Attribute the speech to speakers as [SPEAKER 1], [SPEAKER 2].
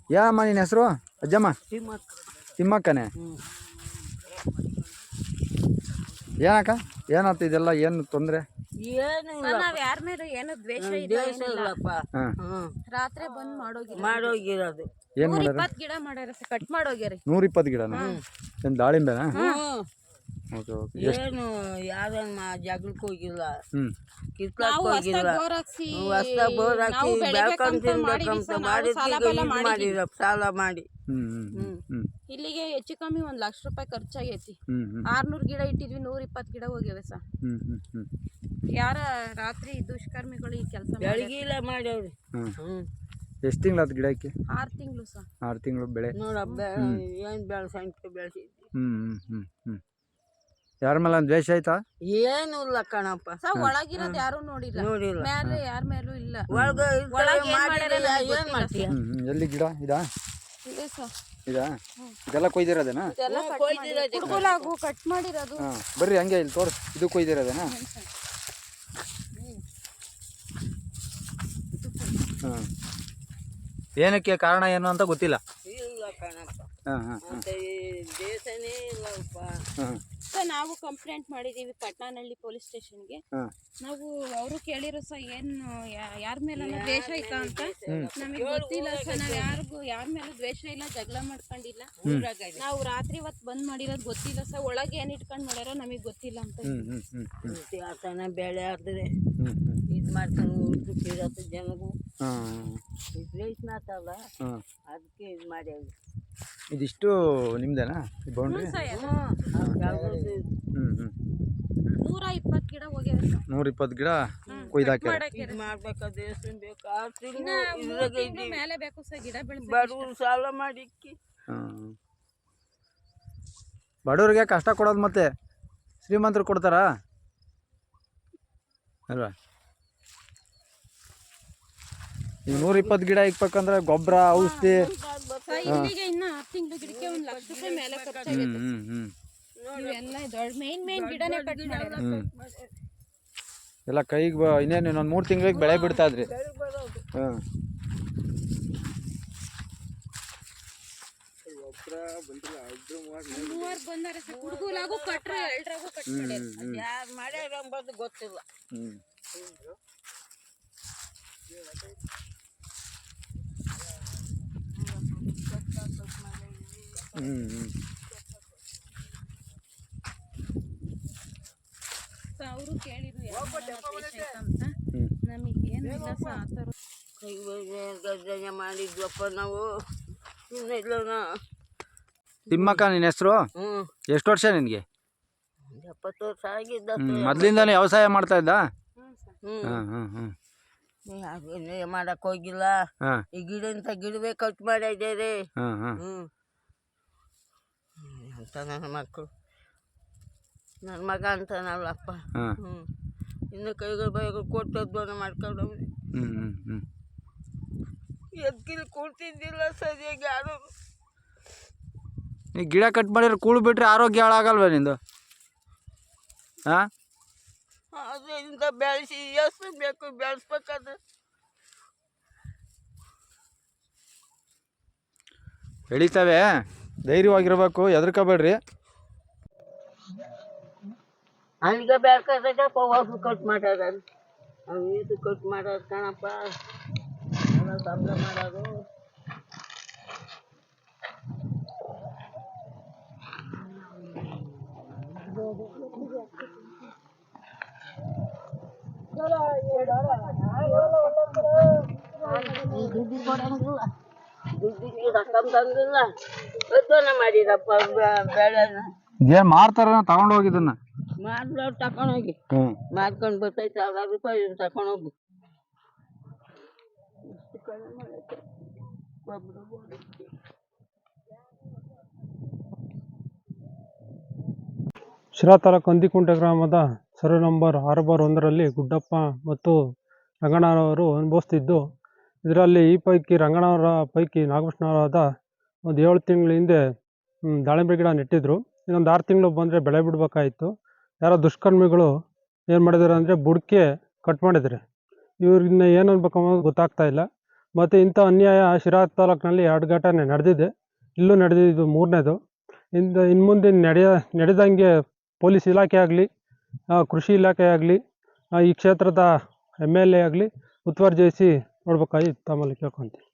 [SPEAKER 1] ಏನಮ್ಮ ನಿನ್ನ ಹೆಸರು ಅಜ್ಜಮ್ಮ? ತಿಮ್ಮಕ್ಕನೇ. ಏನಕ್ಕ ಏನಾಯ್ತು ಇದೆಲ್ಲ ಏನು ತೊಂದರೆ?
[SPEAKER 2] ನಾವ್ ಯಾರ ಮೇಲೆ ಏನು ದ್ವೇಷ ಇಲ್ಲಪ್ಪ. ರಾತ್ರಿ ಬಂದ್ ಮಾಡೋಗಿರೋದು.
[SPEAKER 1] ಏನ್ ಮಾಡ್ಯಾರ?
[SPEAKER 2] 120 ಗಿಡ ಮಾಡ್ಯಾರ, ಕಟ್ ಮಾಡೋಗ್ಯಾರಿ.
[SPEAKER 1] 120 ಗಿಡನ? ಏನ್ ದಾಳಿಂಬೆನಾ?
[SPEAKER 3] ಏನು ಯಾರನ್ನ ಜಗಳಕ್ಕೆ ಹೋಗಿಲ್ಲ,
[SPEAKER 2] ನಾವು ಹೊಸ್ದಾಗ್ ಬೋರ್ ಹಾಕ್ಸಿ ನಾವು ಬೆಳಿಬೇಕಂತ
[SPEAKER 3] ಮಾಡಿರ ಸಾಲ ಮಾಡಿ
[SPEAKER 2] ಇಲ್ಲಿಗೆ ಹೆಚ್ಚು ಕಮ್ಮಿ 1 ಲಕ್ಷ ರೂಪಾಯಿ ಖರ್ಚಾಗೈತಿ. 600 ಗಿಡ ಇಟ್ಟಿದ್ವಿ, 120 ಗಿಡ ಹೋಗ್ಯಾವೆ ಸರ್. ಯಾರ ರಾತ್ರಿ ದುಷ್ಕರ್ಮಿಗಳು ಈ ಕೆಲಸ
[SPEAKER 3] ಬೆಳಗಿಲ್ಲ ಮಾಡ್ಯಾವ್ರಿ.
[SPEAKER 1] ಎಷ್ಟು ತಿಂಗಳಾದ ಗಿಡಕ್ಕೆ?
[SPEAKER 2] 6 ತಿಂಗಳು ಸರ್.
[SPEAKER 1] 6 ತಿಂಗಳು ಬೆಳೆ
[SPEAKER 3] ನೋಡಬ್ಬ ಏನ್ ಬೆಳೆಸಂತ
[SPEAKER 1] ಬೆಳೆಸಿದ್ವಿ. ಯಾರ ಮೇಲೆ ದ್ವೇಷ ಆಯ್ತಾ?
[SPEAKER 3] ಏನು ಇಲ್ಲ ಕಣಪ್ಪ.
[SPEAKER 2] ಒಳಗಿರೋದು ಯಾರು ನೋಡಿಲ್ಲ, ಮೇಲೆ ಯಾರ ಮೇಲೂ ಇಲ್ಲ.
[SPEAKER 3] ಏನ್ ಮಾಡ್ತೀಯ?
[SPEAKER 1] ಎಲ್ಲಿ ಗಿಡ ಇದಾ? ಇದಾ? ಇದೆಲ್ಲ ಕೊಯ್ದಿರೋದೇನಾ?
[SPEAKER 2] ಕಟ್ ಮಾಡಿರೋದು.
[SPEAKER 1] ಬರ್ರಿ ಹಂಗೆ ಇಲ್ಲಿ ತೋರಿಸ್. ಇದು ಕೊಯ್ದಿರೋದೇನಾ? ಏನಕ್ಕೆ ಕಾರಣ ಏನು ಅಂತ ಗೊತ್ತಿಲ್ಲ.
[SPEAKER 3] ದೇಶನೇ ಇಲ್ಲಪ್ಪ.
[SPEAKER 2] ನಾವು ಕಂಪ್ಲೇಂಟ್ ಮಾಡಿದೀವಿ ಪಟ್ನಾನಹಳ್ಳಿ ಪೊಲೀಸ್ ಸ್ಟೇಷನ್ಗೆ. ನಾವು ಅವರು ಕೇಳಿರೋ ಸಹ ಏನು ಯಾರ ಮೇಲೆ ದ್ವೇಷ ಐತಾ ಅಂತ ನಮಗೆ ಗೊತ್ತಿಲ್ಲ ಸರ್. ನಾವ್ ಯಾರ ಮೇಲೂ ದ್ವೇಷ ಇಲ್ಲ, ಜಗಳ ಮಾಡ್ಕೊಂಡಿಲ್ಲ. ನಾವು ರಾತ್ರಿ ಹೊತ್ತು ಬಂದ್ ಮಾಡಿರೋದು ಗೊತ್ತಿಲ್ಲ ಸರ್. ಒಳಗೆ ಏನ್ ಇಟ್ಕೊಂಡ್ ಮಾಡ್ಯಾರೋ ನಮಗ್ ಗೊತ್ತಿಲ್ಲ ಅಂತ.
[SPEAKER 3] ಆತನ ಬೆಳೆ ಆದ್ರೆ ಇದ್ ಮಾಡ್ತಾನೆ ಜನಗೂ ದ್ವೇಷ ಮಾತಲ್ಲ, ಅದಕ್ಕೆ ಇದ್ ಮಾಡ್ಯಾವ.
[SPEAKER 1] ಇದಿಷ್ಟು ನಿಮ್ದೇನಾ ಬೌಂಡ್ರಿ?
[SPEAKER 2] 120 ಗಿಡ ಹೋಗ್ಯಾವ.
[SPEAKER 1] 120 ಗಿಡ ಕೊಯ್ದಾಕ್ಯಾರ.
[SPEAKER 2] ಮೇಲೆ ಬೇಕು ಸರ್ ಗಿಡ ಬೆಳೆಸ.
[SPEAKER 3] ಬಡವ್ರು ಸಾಲ ಮಾಡಿ
[SPEAKER 1] ಬಡವ್ರಿಗೆ ಕಷ್ಟ ಕೊಡೋದು ಮತ್ತೆ ಶ್ರೀಮಂತರು ಕೊಡ್ತಾರಾ ಅಲ್ವಾ? ಈಗ 120 ಗಿಡ ಇಕ್ಬೇಕಂದ್ರೆ ಗೊಬ್ಬರ, ಔಷಧಿ.
[SPEAKER 2] ಇಲ್ಲಿಗೆ ಇನ್ನ 6 ತಿಂಗಳು ಗಿಡಕ್ಕೆ 1 ಲಕ್ಷ ರೂಪಾಯಿ ಮೇಲೆ ಖರ್ಚಾಗೈತೆ. ಇವೆಲ್ಲ ದೊಡ್ಡ ಮೇನ್ ಗಿಡನೇ ಕಟ್ ಮಾಡ್ಯಾರ.
[SPEAKER 1] ಎಲ್ಲ ಕೈಗೆ ಇನ್ನೇನು ಇನ್ನೊಂದು 3 ತಿಂಗಳಿಗೆ ಬೆಳೆ ಬಿಡ್ತಾ ಇದ್ರಿ.
[SPEAKER 2] ಮೂವರು ಬಂದಾರ ಸರ್. ಹುಡುಗಲಾಗೂ ಕಟ್ರೆ ಎಲ್ರಾಗೂ ಕಟ್ ಮಾಡ್ಯಾರ.
[SPEAKER 3] ಯಾರು ಮಾಡ್ಯಾರ ಎಂಬುದು ಗೊತ್ತಿಲ್ಲ.
[SPEAKER 2] ಅವರು ಕೇಳಿದ್ರು ಅಂತ. ನಮಗೆ ಏನಿಲ್ಲ ಸರ್ ಆ ಥರ.
[SPEAKER 3] ಗರ್ಜನೆ ಮಾಡಿದ್ವಪ್ಪ ನಾವು.
[SPEAKER 1] ತಿಮ್ಮಕ್ಕ ನಿನ್ನ ಹೆಸರು? ಎಷ್ಟು ವರ್ಷ ನಿನಗೆ?
[SPEAKER 3] 70 ವರ್ಷ ಆಗಿದ್ದ.
[SPEAKER 1] ಮೊದಲಿಂದಾನೇ ವ್ಯವಸಾಯ ಮಾಡ್ತಾ ಇದ್ದ?
[SPEAKER 3] ಮಾಡಕ್ ಹೋಗಿಲ್ಲ. ಈ ಗಿಡ ಇಂತ ಗಿಡವೇ ಕಟ್ ಮಾಡಿದ್ದೇವೆ ಅಂತ ನನ್ನ ಮಕ್ಕಳು. ನನ್ನ ಮಗ ಅಂತಾನಲ್ಲಪ್ಪ. ಇನ್ನು ಕೈಗಳು ಬೈಗಳು ಕೊಟ್ಟದ್ವನ್ನ ಮಾಡ್ಕೊಂಡವ್ರಿ. ಎದ್ಕಿಲ್ ಕೊಡ್ತಿದ್ದಿಲ್ಲ ಸರಿಯಾಗಿ ಯಾರು.
[SPEAKER 1] ಈ ಗಿಡ ಕಟ್ ಮಾಡಿದ್ರೆ ಕೂಳು ಬಿಟ್ರೆ ಆರೋಗ್ಯ ಹಾಳಾಗಲ್ವ ನಿಂದು?
[SPEAKER 3] ಅದರಿಂದ ಬೆಳೆಸಿ ಎಷ್ಟು ಬೇಕು ಬೆಳೆಸ್ಬೇಕಾದ್ರೆ
[SPEAKER 1] ಬೆಳಿತಾವೆ. ಧೈರ್ಯವಾಗಿರ್ಬೇಕು, ಹೆದರ್ಕೋಬೇಡ್ರಿ.
[SPEAKER 3] ಅಲ್ಲಿಗೆ ಬೇಕಾದಾಗ ಹೋಗಿ ಕಟ್ ಮಾಡೋದ. ಇದು ಕಟ್ ಮಾಡೋದು ಕಣಪ್ಪ, ಎಲ್ಲ ಸಂಬಳ ಮಾಡೋದು. ದುಡ್ಡು ಕೊಡಂಗಿಲ್ಲ, ದುಡ್ಡಿಗೆ ರೊಕ್ಕ ತಂದಿಲ್ಲ. ಯೋಚನೆ ಮಾಡಿರಪ್ಪ ಬೆಳೆನ.
[SPEAKER 1] ಏನ್ ಮಾರ್ತಾರ ತಗೊಂಡ್ ಹೋಗಿದ್ದನ್ನ?
[SPEAKER 3] ಮಾರ್ದವ್ರು ತಕೊಂಡೋಗಿ ಮಾರ್ಕೊಂಡು ಬರ್ತೈತೆ. 1000 ರೂಪಾಯಿ ತಕೊಂಡೋಗಿ.
[SPEAKER 4] ಶಿರಾ ತಾಲೂಕು ಅಂದಿಕುಂಟೆ ಗ್ರಾಮದ ಸರ್ವೆ ನಂಬರ್ 6/1ರಲ್ಲಿ ಗುಡ್ಡಪ್ಪ ಮತ್ತು ರಂಗಣ್ಣನವರು ಅನುಭವಿಸ್ತಿದ್ದು, ಇದರಲ್ಲಿ ಈ ಪೈಕಿ ರಂಗಣ್ಣವರ ಪೈಕಿ ನಾಗಕೃಷ್ಣವರಾದ ಒಂದು 7 ತಿಂಗಳ ಹಿಂದೆ ದಾಳಿಂಬೆ ಗಿಡ ನೆಟ್ಟಿದ್ರು. ಇನ್ನೊಂದು 6 ತಿಂಗಳು ಬಂದರೆ ಬೆಳೆ ಬಿಡಬೇಕಾಯಿತು. ಯಾರೋ ದುಷ್ಕರ್ಮಿಗಳು ಏನು ಮಾಡಿದ್ದಾರೆ ಅಂದರೆ ಬುಡಕ್ಕೆ ಕಟ್ ಮಾಡಿದ್ದಾರೆ. ಇವ್ರನ್ನ ಏನು ಅನ್ಬೇಕು ಅನ್ನೋದು ಗೊತ್ತಾಗ್ತಾ ಇಲ್ಲ. ಮತ್ತು ಇಂಥ ಅನ್ಯಾಯ ಶಿರಾ ತಾಲೂಕಿನಲ್ಲಿ 2 ಘಟನೆ ನಡೆದಿದೆ. ಇಲ್ಲೂ ನಡೆದಿದ್ದು 3ನೇದು. ಇನ್ನು ಮುಂದೆ ನಡೆದಂಗೆ ಪೊಲೀಸ್ ಇಲಾಖೆ ಆಗಲಿ, ಕೃಷಿ ಇಲಾಖೆ ಆಗಲಿ, ಈ ಕ್ಷೇತ್ರದ MLA ಆಗಲಿ ಮುತುವರ್ಜಿವಹಿಸಿ ನೋಡ್ಬೇಕಾಗಿ ತಮ್ಮಲ್ಲಿ ಕೇಳ್ಕೊತೀನಿ.